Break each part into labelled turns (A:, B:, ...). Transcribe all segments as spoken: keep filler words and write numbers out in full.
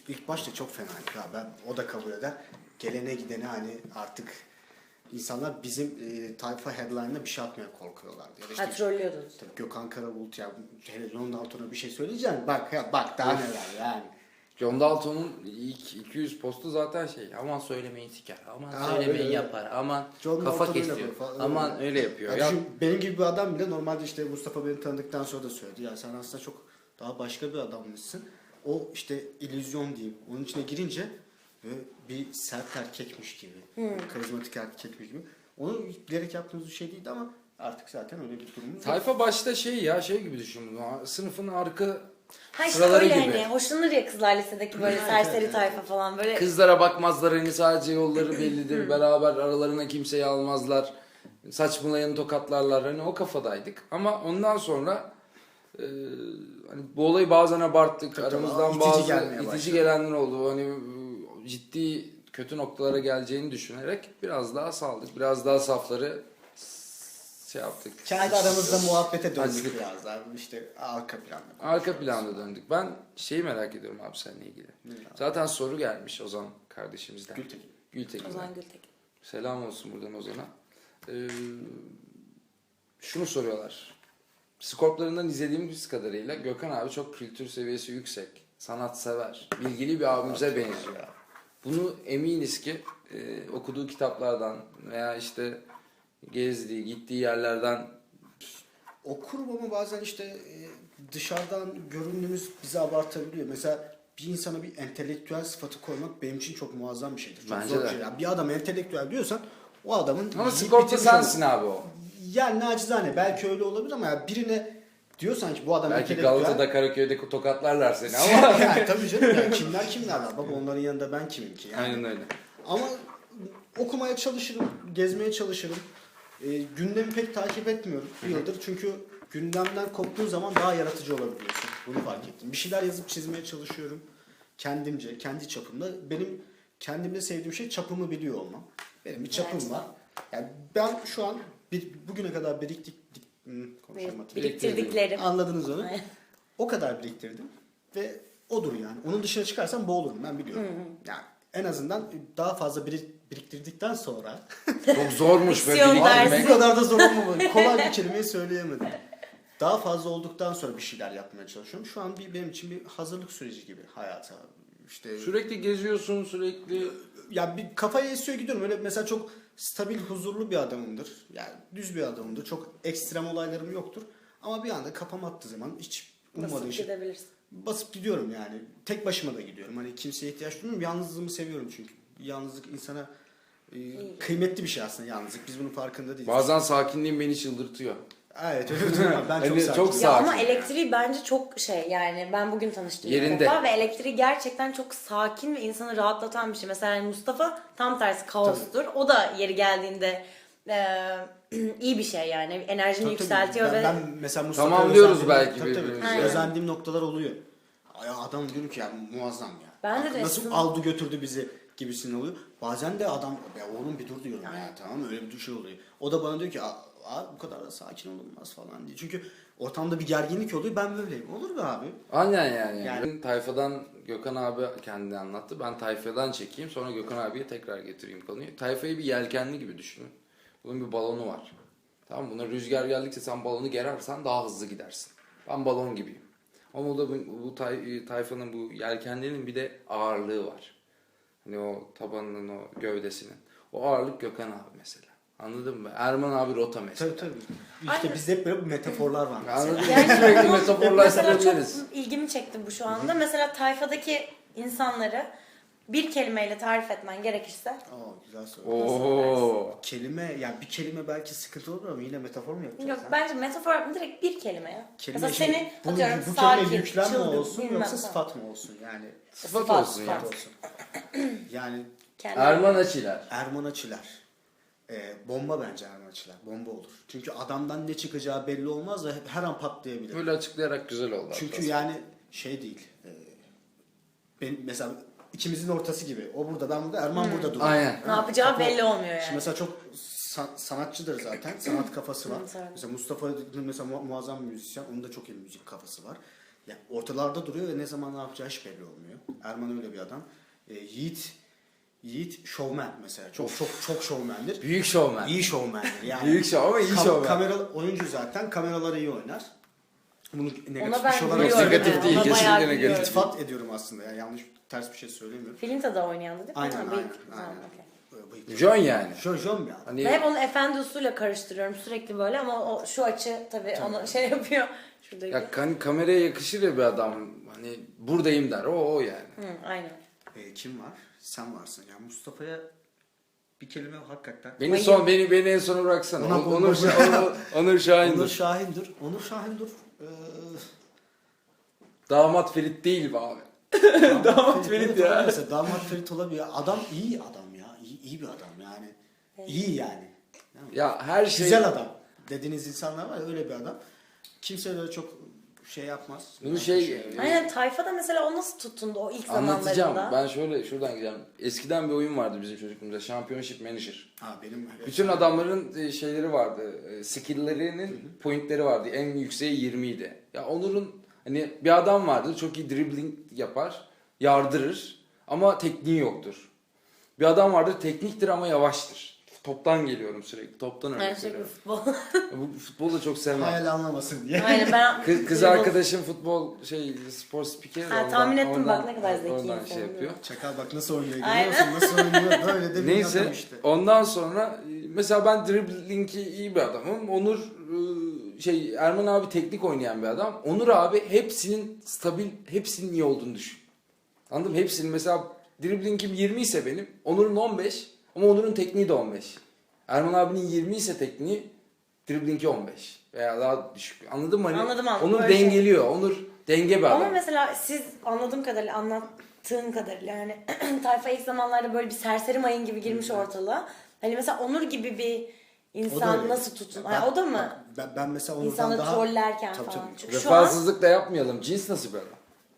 A: ilk başta çok fenaydı ya, ben o da kabul eder. Gelene gidene hani artık insanlar bizim e, tayfa headline'ına bir şey atmaya korkuyorlardı. Ya da işte,
B: Ha, trollüyordunuz.
A: tabii Gökhan Karabulut ya, hele John Dalton'a bir şey söyleyeceksin. Bak ya, bak daha neler yani.
C: John Dalton'un ilk iki yüz postu zaten şey, aman söylemeyin siker, aman
A: Ha,
C: söylemeyin
A: öyle,
C: yapar, aman
A: John
C: kafa
A: Dalton öyle
C: kesiyor,
A: yapıyor falan,
C: aman
A: öyle.
C: öyle yapıyor.
A: Ya
C: Ya,
A: düşün, benim gibi bir adam bile normalde işte Mustafa beni tanıdıktan sonra da söyledi. Ya sen aslında çok daha başka bir adammışsın. O işte illüzyon diyeyim. Onun içine girince böyle bir sert erkekmiş gibi.
B: Hmm.
A: Karizmatik erkekmiş gibi. Onu bilerek yaptığımız bir şey değildi ama artık zaten öyle bir durumumuz yok.
C: tayfa başta şey ya, şey gibi düşün bunu, sınıfın arka
B: Ha işte
C: sıraları
B: öyle
C: gibi.
B: hani hoşlanır ya kızlar lisedeki böyle
A: Evet,
B: serseri
A: evet,
B: tayfa
A: evet.
B: falan böyle.
C: Kızlara bakmazlar, hani sadece yolları bellidir, beraber aralarına kimseyi almazlar, saçmalayanı tokatlarlar, hani o kafadaydık. Ama ondan sonra e, hani bu olayı bazen abarttık,
A: Tabii,
C: aramızdan
A: itici
C: bazı
A: gelmeye
C: itici
A: başladı.
C: gelenler oldu. Hani e, ciddi kötü noktalara geleceğini düşünerek biraz daha saldık, biraz daha safları şey yaptık.
A: Kendi aramızda muhabbete döndük
C: Açtık.
A: biraz daha. İşte arka planda.
C: Arka planda döndük. Ben şeyi merak ediyorum abi seninle ilgili. Zaten soru gelmiş Ozan kardeşimizden.
A: Gültekin.
B: O zaman
C: Gültekin'den.
B: Gültekin.
C: Selam olsun buradan Ozan'a. Ee, şunu soruyorlar. Skorplarından izlediğimiz kadarıyla Gökhan abi çok kültür seviyesi yüksek, sanatsever, bilgili bir abimize benziyor. Bunu eminiz ki e, okuduğu kitaplardan veya işte gezdiği, gittiği yerlerden.
A: Okurum ama bazen işte e, dışarıdan göründüğümüz bizi abartabiliyor. Mesela bir insana bir entelektüel sıfatı koymak benim için çok muazzam bir şeydir. Çok
C: Bence
A: zor
C: de.
A: bir şey. Yani bir adam entelektüel diyorsan o adamın...
C: Ama
A: yiyip
C: Skorp'ta
A: bitirmiş
C: sensin
A: olur.
C: abi o.
A: Yani nacizane belki öyle olabilir ama ya birine diyorsan ki bu adam
C: Belki
A: entelektüel...
C: Galata'da, Karaköy'de tokatlarlar seni ama.
A: yani tabii canım, yani kimler kimler var. Bak onların yanında ben kimim ki? Yani.
C: Aynen öyle.
A: Ama okumaya çalışırım, gezmeye çalışırım. E, gündemi pek takip etmiyorum bir yıldır. Çünkü gündemden koptuğun zaman daha yaratıcı olabiliyorsun. Bunu fark ettim. Bir şeyler yazıp çizmeye çalışıyorum. Kendimce, kendi çapımda. Benim kendimde sevdiğim şey çapımı biliyor olmam. Benim bir çapım
B: Evet.
A: var. Yani ben şu an bir, bugüne kadar biriktik... Hmm, konuşamadım.
B: Biriktirdiklerim.
A: Anladınız onu. O kadar biriktirdim ve odur yani. Onun dışına çıkarsam boğulurum, ben biliyorum. Yani en azından daha fazla birik- biriktirdikten sonra
C: Çok zormuş böyle
B: Diksiyon dersi.
A: bu
C: biriktirmek.
A: kadar da zor olmamalı. Kolay bir kelimeyi söyleyemedim. Daha fazla olduktan sonra bir şeyler yapmaya çalışıyorum. Şu an bir benim için bir hazırlık süreci gibi hayata. İşte
C: Sürekli geziyorsun, sürekli.
A: ya bir kafaya esiyor gidiyorum. Öyle mesela çok stabil, huzurlu bir adamımdır. Yani düz bir adamımdır. Çok ekstrem olaylarım yoktur. Ama bir anda kafam attığı zaman hiç ummadığım
B: Basıp
A: şey.
B: gidebilirsin.
A: Basıp gidiyorum yani. Tek başıma da gidiyorum. Hani kimseye ihtiyaç duymuyorum. Yalnızlığımı seviyorum çünkü. Yalnızlık insana e, kıymetli bir şey aslında, yalnızlık. Biz bunun farkında değiliz.
C: Bazen sakinliğin beni çıldırtıyor.
A: Evet öyle değil mi? Ben çok
C: Hani
A: sakin.
C: çok
B: Ya
C: Sakin
B: ama
C: ya.
B: elektriği bence çok şey, yani ben bugün tanıştım ilk
C: Yerinde.
B: defa ve elektriği gerçekten çok sakin ve insanı rahatlatan bir şey. Mesela yani Mustafa tam tersi kaostur. O da yeri geldiğinde e, iyi bir şey yani. Enerjini
A: Tabii, tabii.
B: yükseltiyor
A: ben,
B: ve
A: ben mesela Mustafa'ya
C: Tamam diyoruz
A: özendiğim-
C: belki
A: tabii, tabii.
C: birbirimize.
B: Aynen.
A: Özendiğim noktalar oluyor. Ay, adam diyorum ki ya muazzam ya.
B: Ben de
A: Nasıl
B: resim-
A: aldı götürdü bizi gibisinden oluyor. Bazen de adam ya oğlum bir dur diyorum ya, tamam mı? Öyle bir şey oluyor. O da bana diyor ki abi bu kadar da sakin olunmaz falan diye. Çünkü ortamda bir gerginlik oluyor, ben böyleyim. Olur be abi.
C: Aynen yani.
A: Yani-
C: Ben tayfadan Gökhan abi kendi anlattı. Ben tayfadan çekeyim, sonra Gökhan abiye tekrar getireyim konuyu. Tayfayı bir yelkenli gibi düşünün. Bunun bir balonu var. Tamam mı? Buna rüzgar geldikçe sen balonu gerersen daha hızlı gidersin. Ben balon gibiyim. Ama da bu, bu tay, tayfanın, bu yelkenlerinin bir de ağırlığı var. Hani o tabanının, o gövdesinin. O ağırlık Gökhan abi mesela. Anladın mı? Erman abi rota mesela.
A: Tabii tabii. İşte
B: Aynen.
A: bizde hep böyle metaforlar var. mesela.
C: Anladın mı?
B: Yani
C: Sürekli
B: Mesela çok
C: metaforlaştırabiliriz.
B: ilgimi çekti bu şu anda. Mesela tayfadaki insanları bir kelimeyle tarif etmen gerekirse
A: Oo, güzel soru.
C: Oo.
A: Kelime, yani bir kelime belki sıkıntı olur ama yine metafor mu yapacağız?
B: yok
A: ha?
B: bence metafor yapma, direkt bir kelime ya.
A: Kelime
B: Mesela
A: şey,
B: seni
A: bu,
B: atıyorum
A: bu
B: sakin,
A: kelime yüklem mi
B: çılgın,
A: olsun
B: bilmem
A: yoksa
B: falan.
A: sıfat mı olsun yani?
C: Sıfat,
B: Sıfat,
C: olsun
B: sıfat.
C: ya.
A: olsun. Yani
B: Kendi-
C: Erman Açiler.
A: Erman Açılar. Ee, bomba bence Erman Açılar. Bomba olur. Çünkü adamdan ne çıkacağı belli olmaz da her an patlayabilir.
C: Böyle açıklayarak güzel oldu.
A: Çünkü
C: hatta.
A: yani şey değil. E, benim mesela ikimizin ortası gibi. O burada, ben burada, Erman burada duruyor.
C: Aynen.
B: Ne yapacağı
A: Kafa-
B: belli olmuyor yani.
A: Şimdi mesela çok sa- sanatçıdır zaten. Sanat kafası var.
B: Evet, evet.
A: Mesela Mustafa mesela mu- muazzam bir müzisyen. Onun da çok iyi müzik kafası var. Yani ortalarda duruyor ve ne zaman ne yapacağı hiç belli olmuyor. Erman öyle bir adam. E, Yiğit Yiğit şovmen mesela. Çok çok çok şovmendir.
C: Büyük şovmen.
A: İyi şovmendir yani.
C: Büyük şov ama iyi
A: Kam-
C: şovmen.
A: Kamera oyuncu zaten. Kameraları iyi oynar. Bunu negatif
B: Ona ben
A: bir şey olarak
B: gülüyorum.
C: Negatif
B: yani.
C: değil,
B: Ona
C: kesinlikle
B: bayağı
C: negatif.
B: gülüyorum.
A: İltifat ediyorum aslında. Yani yanlış ters bir şey söylemiyorum.
B: Filinta da oynayandı değil mi?
A: Aynen,
B: Ha,
A: aynen,
B: bıyık.
A: aynen.
B: Ha, okey.
A: Böyle bıyıklı.
C: John yani.
A: Jön Jön bir adam.
C: Hani
B: Ben hep onu efendi usulüyle karıştırıyorum sürekli böyle ama o şu açı tabii,
A: Tabii.
B: onu şey yapıyor. Şuradaki.
C: ya kan- kameraya yakışır ya bir adam. Hani buradayım der. O o yani.
B: Hı, aynen.
A: E, kim var? Sen varsın. Yani Mustafa'ya bir kelime hakikaten.
C: Beni
B: Bayım.
C: son beni beni en sona bıraksana.
A: Ona-
C: Onur Onur, Onur, Onur Şahin'dir.
A: Onur Şahindur. Onur Şahindur. Ee,
C: Damat Ferit değil be abi.
A: damat
C: Ferit ya.
A: Mesela damat Ferit olabilir. Adam iyi adam ya. İyi, iyi bir adam yani. İyi yani. Yani
C: Ya her şey
A: Güzel adam. Dediğiniz insanlar var ya, öyle bir adam. Kimse böyle çok şey yapmaz.
C: Bunu şey
B: Aynen, tayfada mesela o nasıl tutundu o ilk
C: anlatacağım.
B: zamanlarında?
C: Ben şöyle şuradan gideceğim. Eskiden bir oyun vardı bizim çocukluğumuzda. Championship Manager.
A: Ha benim
C: Bütün adamların e, şeyleri vardı. e, Skill'lerinin pointleri vardı. En yükseği yirmi idi. Ya Onur'un hani bir adam vardır. Çok iyi dribbling yapar. Yardırır. Ama tekniği yoktur. Bir adam vardır. Tekniktir ama yavaştır. Toptan geliyorum sürekli. Toptan
B: Aynen,
C: örnek
B: sürekli
C: veriyorum.
B: futbol.
C: Bu futbolu da çok sevmem.
A: hayal anlamasın diye.
B: Aynen ben
C: Kız, kız arkadaşım futbol şey spor spikeri. de
B: Ha,
C: ondan-
B: tahmin ettim bak,
C: ondan-
B: ne kadar zeki
C: Ondan
B: insan,
C: şey
B: değil mi?
C: yapıyor.
A: Çakal bak nasıl oynuyor görüyor
B: Aynen.
A: musun? Nasıl oynuyor? Böyle de bir
C: Neyse
A: adam işte.
C: ondan sonra e, mesela ben dribbling'i iyi bir adamım. Onur e, şey Erman abi teknik oynayan bir adam. Onur abi hepsinin stabil, hepsinin iyi olduğunu düşün. Anladın mı? Hepsinin mesela dribbling'im yirmi ise benim, Onur'un on beş ama Onur'un tekniği de on beş. Erman abinin yirmi ise tekniği, dribbling'i on beş veya daha düşük. Anladın mı? Hani
B: Anladım, anladım.
C: Onur
B: Böyle şey.
C: dengeliyor. Onur denge bir adam.
B: Ama mesela siz anladığım kadarıyla, anlattığın kadarıyla yani tayfa ilk zamanlarda böyle bir serseri mayın gibi girmiş ortalığa. Hani mesela Onur gibi bir
A: O da
B: insan
A: öyle.
B: nasıl tutun?
A: Ben-
B: Ha, o da mı?
A: bak, Ben, ben mesela Onur'dan
B: İnsanları
A: daha...
B: trollerken
A: Tabii,
B: falan.
A: tabii.
B: Çünkü şu an
C: Vefasızlık da yapmayalım. Cins nasıl bir adam?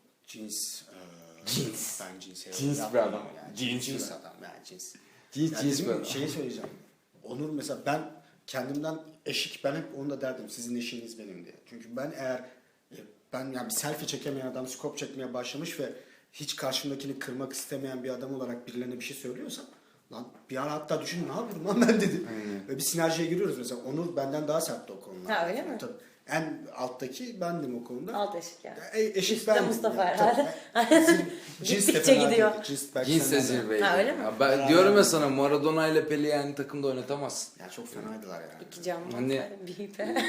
A: Cins. E,
C: Cins.
A: Ben cins.
C: Cins
A: yapmam
C: bir adam.
A: Yani.
C: Cins
A: Cins,
C: bir
A: adam. Yani cins.
C: Cins,
A: Yani
C: cins
A: bizim
C: bir adam.
A: şeyi söyleyeceğim. Onur mesela ben kendimden eşik, ben hep onu da derdim, sizin eşiniz benim diye. Çünkü ben eğer e, ben yani bir selfie çekemeyen adam scope çekmeye başlamış ve hiç karşımdakini kırmak istemeyen bir adam olarak birilerine bir şey söylüyorsam, lan bir ara hatta düşün, ne yapıyorum lan ben dedi. Ve bir sinerjiye giriyoruz mesela. Onur benden daha sertti o konuda.
B: Ha, öyle mi?
A: Tabii. En alttaki bendim o konuda.
B: alt eşik yani.
A: E, eşit
B: Üstte
A: bendim.
B: Mustafa
A: yani.
B: herhalde.
A: Tabii. Cins de
B: Gittikçe
A: fena
B: gidiyor.
A: değildi. Cins belki
C: Cins de
A: senden de-
C: zirveydi.
B: Ha, öyle mi?
C: Ya ben
A: Beraber-
C: diyorum ya sana, Maradona ile Pele yani takımda oynatamazsın.
A: Ya çok fenaydılar yani.
B: İki canlı.
C: Hani-
B: Bir ipe.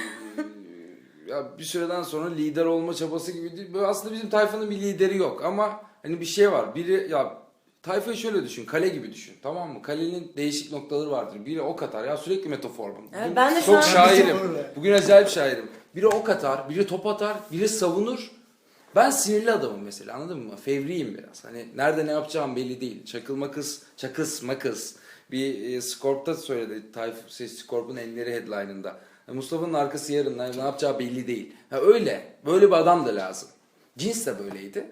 C: Ya bir süreden sonra lider olma çabası gibi değil. Böyle aslında bizim tayfanın bir lideri yok ama hani bir şey var. Biri ya tayfayı şöyle düşün, kale gibi düşün, tamam mı? Kalenin değişik noktaları vardır. Biri ok atar, ya sürekli metafor bu.
B: Evet,
C: Bugün
B: ben de şu
C: çok
B: an-
C: şairim.
A: Öyle.
C: Bugün acayip şairim. Biri ok atar, biri top atar, biri savunur. Ben sinirli adamım mesela, anladın mı? Fevriyim biraz. Hani nerede ne yapacağım belli değil. Çakılma kız, çakıs makız. Bir e, Scorp'ta söyledi. Tayfun şey, Scorp'un elleri headline'ında. Yani Mustafa'nın arkası yarın, ne ne yapacağı belli değil. Ha, öyle. Böyle bir adam da lazım. Cins de böyleydi.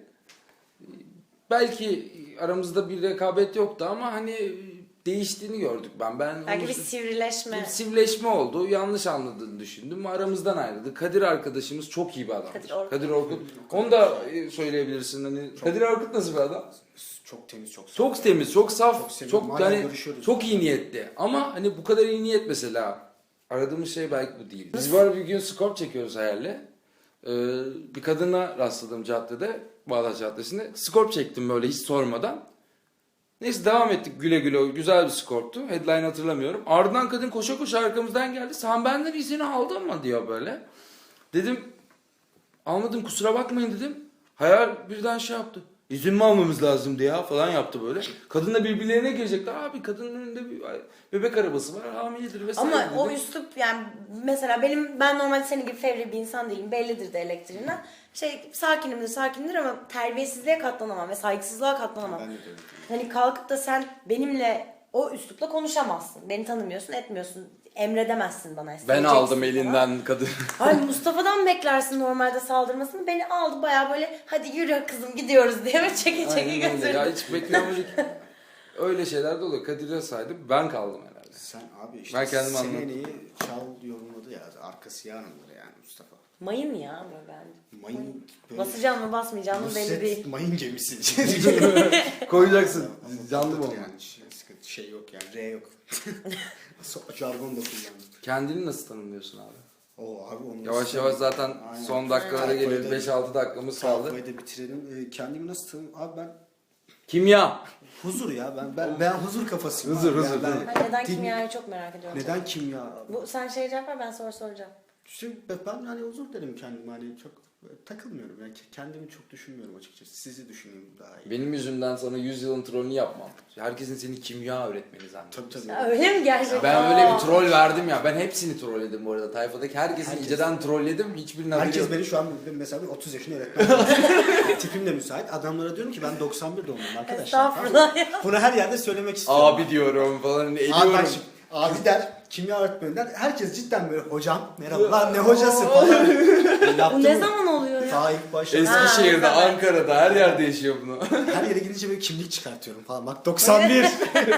C: Belki aramızda bir rekabet yoktu ama hani değiştiğini gördük ben. Ben
B: Belki
C: onu-
B: bir sivrileşme.
C: bir sivleşme oldu. Yanlış anladığını düşündüm. Aramızdan ayrıldı. Kadir arkadaşımız çok iyi bir adam.
B: Kadir Orkut.
C: Kadir Orkut. Onu da e, söyleyebilirsin. Hani Kadir Orkut nasıl bir adam?
A: Çok temiz, çok
C: Çok temiz, çok saf,
A: Çok
C: çok,
A: seviyorum. Hala
C: yani
A: görüşüyoruz.
C: çok iyi niyetli. Ama hani bu kadar iyi niyet mesela aradığımız şey belki bu değil. Biz var bir gün skor çekiyoruz hayalle. Ee, bir kadına rastladım caddede, Bağdat Caddesi'nde. Skor çektim böyle hiç sormadan. Neyse devam ettik güle güle. Güzel bir skorptu. Headline hatırlamıyorum. Ardından kadın koşa koşa arkamızdan geldi. Sen benden izini aldın mı diyor böyle. Dedim almadım, kusura bakmayın dedim. Hayal birden şey yaptı. İzin mi almamız lazımdı ya falan yaptı böyle. Kadınla birbirlerine girecekler. Abi kadının önünde bir bebek arabası var, hamiledir vesaire
B: Ama
C: dedim.
B: o üslup yani mesela benim, ben normalde senin gibi fevri bir insan değilim. Bellidir de elektriğinden. Şey, sakinimdir sakindir ama terbiyesizliğe katlanamam ve saygısızlığa katlanamam.
A: Ben de öyle.
B: Hani kalkıp da sen benimle o üslupla konuşamazsın. Beni tanımıyorsun, etmiyorsun. Emredemezsin bana.
C: Ben
B: isteyeceksin
C: aldım
B: falan.
C: elinden kadın.
B: Ay, Mustafa'dan beklersin normalde saldırmasını. Beni aldı bayağı böyle, hadi yürü kızım gidiyoruz diye ve çeke çeke
C: Aynen öyle.
B: götürdü.
C: Ya hiç beklemedik. Öyle şeyler de oluyor. Kadir'e saydım. Ben kaldım herhalde.
A: Sen abi işte
C: Ben kendimi
A: senin
C: anladım.
A: en iyi çal yorumladı ya. Arkası yarındır yani Mustafa.
B: Mayın ya ama bence.
A: Mayın böyle
B: Basacağım mı basmayacağım mı belli
A: Nusret
B: değil.
A: mayın gemisi.
C: Koyacaksın.
A: Ama
C: Canlı
A: patlatır
C: bomba.
A: yani. Şey, sıkıntı, şey yok yani. R yok. So- Jargon da kullandım.
C: Kendini nasıl tanımlıyorsun abi?
A: Oo abi onu
C: Yavaş
A: nasıl-
C: yavaş zaten
A: Aynen.
C: son dakikalara
A: Aynen.
C: geliyoruz. beş altı dakikamız kaldı.
A: Sayfayı da bitirelim. Ee, kendimi nasıl tanım? Abi ben
C: Kimya.
A: huzur ya. Ben ben ben huzur kafasıyım.
C: Huzur,
A: abi.
C: huzur,
A: Yani ben-
C: huzur.
B: Ben neden
A: Din-
B: kimyayı çok merak ediyorum.
A: Neden kimya?
B: Bu sen şey cevap ver ben soru soracağım.
A: İşte ben hani huzur derim kendime. Hani çok takılmıyorum. Yani kendimi çok düşünmüyorum açıkçası. Sizi düşünüyorum daha iyi.
C: Benim yüzümden sana yüz yılın trollünü yapmam. Herkesin seni kimya öğretmeni zannediyor.
A: Tabii tabii.
B: Ya öyle mi gerçekten?
C: Ben öyle bir
B: Aa.
C: troll verdim ya. Ben hepsini trolledim bu arada. Tayfadaki herkesi
A: Herkes.
C: inceden trolledim. Hiçbirinin haberi
A: Herkes
C: yok.
A: beni şu an mesela bir otuz yaşında öğretmen. Tipim de müsait. Adamlara diyorum ki ben doksan bir doğumluyum arkadaşlar.
B: Estağfurullah ya.
A: Bunu her yerde söylemek istiyorum.
C: Abi diyorum falan.
A: Abi, ben
C: Ediyorum.
A: şimdi- abi der, kimya öğretmeni der. Herkes cidden böyle hocam merhaba lan ne hocası falan.
B: Bu
A: Yaptım
B: ne
A: mı?
B: zaman oluyor ya?
A: Daha ilk başta.
C: Eskişehir'de,
B: Ha, evet.
C: Ankara'da her yerde yaşıyor bunu.
A: Her yere gidince böyle kimlik çıkartıyorum falan. Bak doksan bir.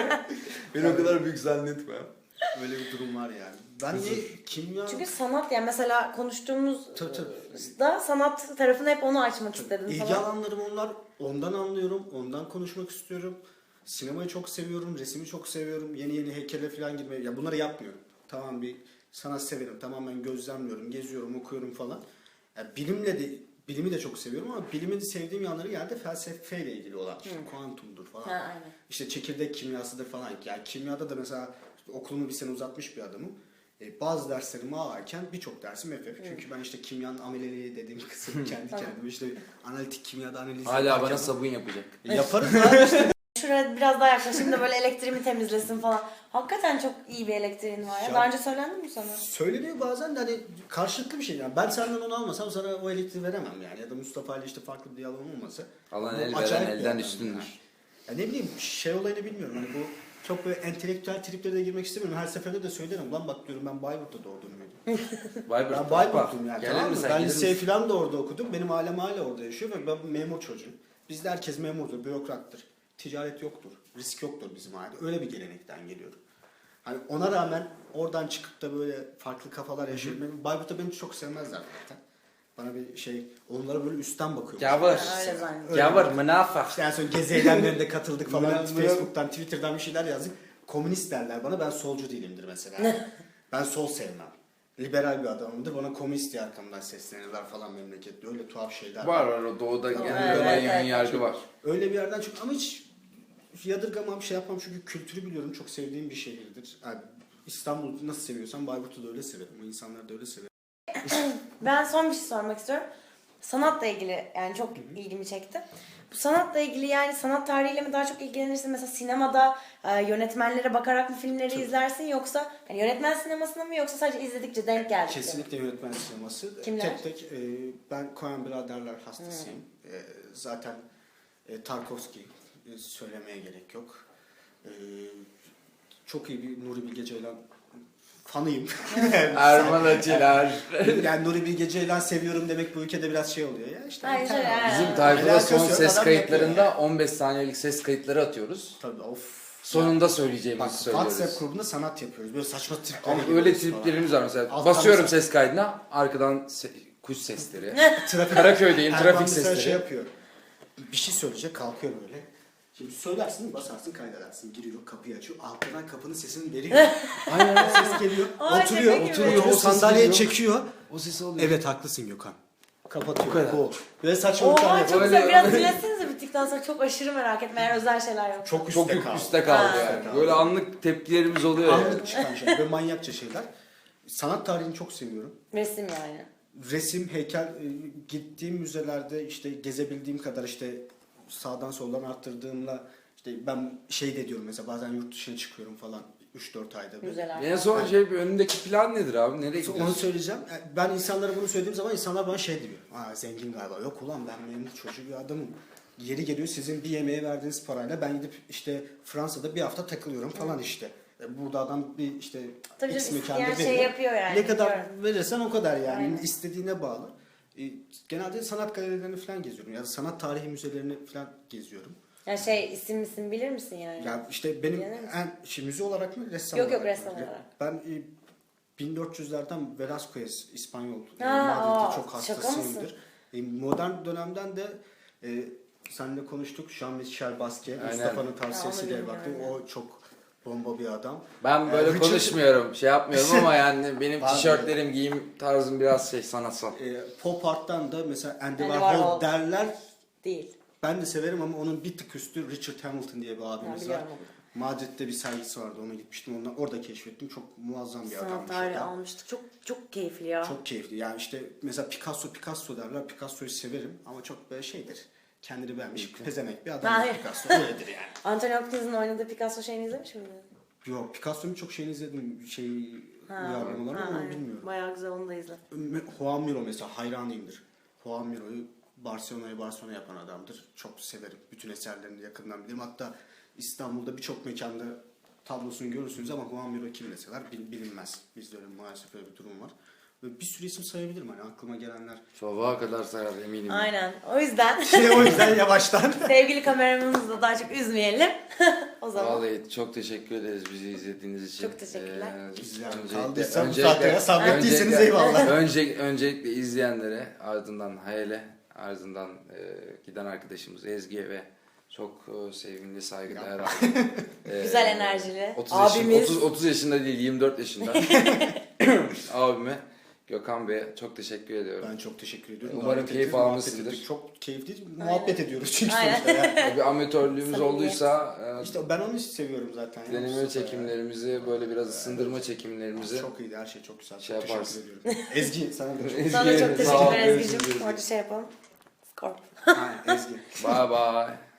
C: Beni o kadar büyük zannetme.
A: Böyle bir durum var yani. Ben de kimya...
B: Çünkü sanat yani mesela konuştuğumuz
A: Tabii, tabii.
B: da sanat tarafını hep onu açmak istedim
A: İlgi
B: falan.
A: alanlarım onlar. Ondan anlıyorum. Ondan konuşmak istiyorum. Sinemayı çok seviyorum. Resmi çok seviyorum. Yeni yeni heykele falan girmeyi. Ya bunları yapmıyorum. Tamam bir sanat severim. Tamamen gözlemliyorum. Geziyorum, okuyorum falan. Yani bilimle de bilimi de çok seviyorum ama bilimin sevdiğim yanları geldi felsefeyle ilgili olan. İşte kuantumdur falan.
B: Ha, aynen.
A: İşte çekirdek kimyasıdır falan. Yani kimyada da mesela işte okulumu bir sene uzatmış bir adamım. E, bazı derslerimi ağırken birçok dersim F F. Çünkü ben işte kimyanın ameleliği dediğim kısım kendi kendime işte analitik kimyada analiz
C: Hala
A: yaparken-
C: bana sabun yapacak.
A: E, yaparız abi işte.
B: Şuraya biraz daha yaklaşayım da böyle elektriğimi temizlesin falan. Hakikaten çok iyi bir elektriğin var ya.
A: Ya-
B: Daha önce söylendi mi sana?
A: Söyleniyor bazen de hani karşılıklı bir şey. Yani ben senden onu almasam sana o elektriği veremem yani. Ya da Mustafa ile işte farklı bir diyalogum olmasa.
C: Alan
A: Bu
C: el
A: acayip
C: veren
A: bir
C: elden
A: adam
C: üstündür.
A: yani. Ya ne bileyim şey olayını bilmiyorum. Hani bu çok böyle entelektüel triplere de girmek istemiyorum. Her seferinde de söylerim. Lan bak diyorum ben Bayburt'ta doğdum büyüdüm.
C: Bayburt.
A: Ben Bayburtluyum yani.
C: Gelir
A: Tamam mı?
C: misin?
A: Ben
C: Gelir
A: liseyi
C: misin?
A: falan da orada okudum. Benim ailem hala orada yaşıyor ve ben memur çocuğum. Bizde herkes memurdur, bürokrattır. Ticaret yoktur, risk yoktur bizim ailede. Öyle bir gelenekten geliyorum. Hani ona rağmen oradan çıkıp da böyle farklı kafalar yaşıyorum. Benim Bayburt'ta beni çok sevmezler zaten. Bana bir şey, onlara böyle üstten bakıyor.
C: Gavur.
B: Öyle zannediyorum.
C: Gavur, münafık.
A: İşte en son gezi eylemlerinde katıldık falan.
C: Münaf-
A: Facebook'tan, Twitter'dan bir şeyler yazdık. Komünist derler bana. Ben solcu değilimdir mesela. Ben sol sevmem. Liberal bir adamımdır. Bana komünist diye arkamdan seslenirler falan memlekette. Öyle tuhaf şeyler
C: Var var o doğuda genelde
B: Evet,
C: olan
B: evet,
C: yayın
B: evet.
C: yargı var.
A: Öyle bir yerden çok ama hiç yadırgamam şey yapmam çünkü kültürü biliyorum. Çok sevdiğim bir şehirdir. Yani İstanbul'u nasıl seviyorsam Bayburt'u da öyle severim. O insanları da öyle severim.
B: Ben son bir şey sormak istiyorum. Sanatla ilgili yani çok ilgimi çekti. Bu sanatla ilgili yani sanat tarihiyle mi daha çok ilgilenirsin? Mesela sinemada e, yönetmenlere bakarak mı filmleri
A: Tabii.
B: izlersin yoksa yani yönetmen sinemasına mı yoksa sadece izledikçe denk geldi?
A: Kesinlikle yönetmen sineması.
B: Kimler?
A: Tek tek e, ben Coen biraderler hastasıyım. E, zaten e, Tarkovski e, söylemeye gerek yok. E, çok iyi bir Nuri Bilge Ceylan fanıyım.
C: Erman Atiler.
A: Yani Nuri Bilge Ceylan seviyorum demek bu ülkede biraz şey oluyor ya. İşte
B: Hayır,
A: internet.
B: hayır,
C: Bizim
B: Ha,
C: tayfada
A: alakası
C: son
A: yok,
C: ses
A: adam
C: kayıtlarında on beş saniyelik ses kayıtları atıyoruz.
A: Tabii of.
C: Sonunda
A: Bak
C: söyleyeceğimizi
A: WhatsApp
C: söylüyoruz.
A: grubunda sanat yapıyoruz. Böyle saçma tripler.
C: Ama öyle triplerimiz var mesela.
A: Alttan
C: Basıyorum
A: mesela-
C: ses kaydına arkadan se- kuş sesleri.
A: Trafik.
C: Karaköy'deyim
A: Erman
C: trafik
A: mesela
C: sesleri.
A: şey yapıyor. Bir şey söyleyecek kalkıyor böyle. Şimdi söylersin basarsın kaydedersin. Giriyor kapıyı açıyor. Altından kapının sesini veriyor.
C: Aynen.
A: Ses geliyor.
B: Ay,
A: oturuyor.
B: şaka gibi.
A: Oturuyor.
C: O
A: O
C: ses
A: sandalyeye
C: geliyor.
A: çekiyor.
C: O sesi oluyor.
A: Evet haklısın Gökhan. Kapatıyor.
C: Bu kadar.
A: O. Böyle saçmalıklar
B: Oha
A: yapıyor.
B: çok
C: Öyle-
B: güzel. Biraz
C: öyle-
B: dinletsenize bittikten sonra çok aşırı merak etme. Eğer özel şeyler yok.
A: Çok
C: Çok
A: üstte
C: yük
A: kaldı.
C: üstte kaldı
B: Ha.
C: yani. Böyle anlık tepkilerimiz oluyor yani.
A: Anlık çıkan şeyler. Böyle manyakça şeyler. Sanat tarihini çok seviyorum.
B: Resim yani.
A: Resim, heykel, e, gittiğim müzelerde işte gezebildiğim kadar işte sağdan soldan arttırdığımla işte ben şey de diyorum mesela bazen yurt dışına çıkıyorum falan üç dört ayda bir.
B: Güzel.
C: En son şey bir önündeki plan nedir abi? Nereye
A: Onu
C: gidiyorsun?
A: söyleyeceğim. Yani ben insanlara bunu söylediğim zaman insanlar bana şey diyor. Aa zengin galiba. Yok ulan ben memur çocuğu bir adamım. Yeri geliyor sizin bir yemeğe verdiğiniz parayla ben gidip işte Fransa'da bir hafta takılıyorum falan işte. E, Burada adam bir işte
B: Tabii
A: X
B: canım,
A: mekanda
B: isteyen şey
A: veriyor.
B: yapıyor yani,
A: Ne kadar
B: biliyorum.
A: verirsen o kadar yani.
B: Aynen.
A: İstediğine bağlı. E, genelde sanat galerilerini falan geziyorum. Ya da sanat tarihi müzelerini falan geziyorum.
B: Yani şey isim isim bilir misin yani?
A: Ya işte benim
B: Bilir misin?
A: en şey, müze olarak mı ressam
B: Yok, yok,
A: olarak mı?
B: ressam olarak.
A: Ben e, bin dört yüzlerden Velázquez İspanyol e,
B: Ha,
A: Madrid'de
B: aa,
A: çok
B: şaka
A: hastasıyımdır. E, modern dönemden de e, seninle konuştuk. Jean-Michel Basquiat,
C: Aynen.
A: Mustafa'nın
B: Ya,
A: tavsiyesiyle
B: onu
A: baktım.
B: bilmiyorum
A: O çok bomba bir adam.
C: Ben böyle
A: Ee, Richard-
C: konuşmuyorum, şey yapmıyorum ama yani benim
A: Abi.
C: tişörtlerim, giyim tarzım biraz şey sanatsal.
A: E, pop art'tan da mesela Andy
B: Andy
A: Warhol
B: Warhol.
A: derler.
B: Değil.
A: Ben de severim ama onun bir tık üstü Richard Hamilton diye bir
B: Ben
A: abimiz var.
B: biliyorum onu.
A: Madrid'de bir sergisi vardı. Ona gitmiştim. Ondan, orada keşfettim. Çok muazzam bir
B: Sanat
A: adammış.
B: tarihi
A: o da.
B: almıştık. Çok çok keyifli ya.
A: Çok keyifli. Yani işte mesela Picasso Picasso derler. Picasso'yu severim ama çok böyle şeydir. Kendini beğenmiş pezemek bir adam
B: Hayır.
A: Picasso. Öyledir yani.
B: Anthony Hopkins'in oynadığı Picasso şeyini izlemiş miydin?
A: Yok Picasso'nun çok şeyini izledim. Şey
B: Ha,
A: uyarlamaları
B: ha,
A: ama onu
B: aynen.
A: bilmiyorum.
B: Bayağı güzel, onu da izle.
A: Juan Miro mesela hayranıyımdır. Juan Miro'yu Barcelona'yı Barcelona yapan adamdır. Çok severim. Bütün eserlerini yakından bilirim. Hatta İstanbul'da birçok mekanda tablosunu görürsünüz ama Juan Miro kim deseler bil- bilinmez. Bizde öyle maalesef öyle bir durum var. Ve bir sürü isim sayabilirim hani aklıma gelenler.
C: Sabaha kadar sayar eminim.
B: Aynen. O yüzden
A: Şey o yüzden yavaştan.
B: sevgili kameramanımızı da daha çok üzmeyelim. O zaman.
C: Vallahi çok teşekkür ederiz bizi izlediğiniz için.
B: Çok teşekkürler.
C: Ee,
A: İzleyen
C: öncelikle-
A: kaldıysa bu
C: öncelikle-
A: saatlere sabrettiyseniz
C: öncelikle-
A: eyvallah.
C: Önce, öncelikle izleyenlere, ardından Hayal'e, ardından e, giden arkadaşımız Ezgi'ye ve çok e, sevimli, saygıdeğer abi. E,
B: Güzel enerjili.
C: otuz yaşın-
B: Abimiz.
C: otuz, otuz yaşında değil, yirmi dört yaşında. Abime, Gökhan Bey'e çok teşekkür ediyorum.
A: Ben çok teşekkür ediyorum.
C: Umarım
A: Davet
C: keyif
A: ettiniz, muhabbet
C: almışsındır.
A: ettik. Çok keyifli muhabbet ediyoruz çünkü
B: Aynen.
A: sonuçta yani.
C: Bir amatörlüğümüz
B: Samimiyet.
C: olduysa e,
A: İşte ben onu seviyorum zaten. ya.
C: deneme
A: Mustafa ya.
C: çekimlerimizi, böyle biraz ısındırma çekimlerimizi
A: Çok iyiydi her şey çok güzel.
C: Şey
A: Çok teşekkür
C: yaparsın.
A: ediyorum. Ezgi sana da çok
B: Sana da çok
C: Sağ ol,
B: teşekkürler
C: görüşürüz.
B: Ezgi'cim. Orada şey yapalım. Scorp.
A: Aynen, Ezgi.
C: Bye bye.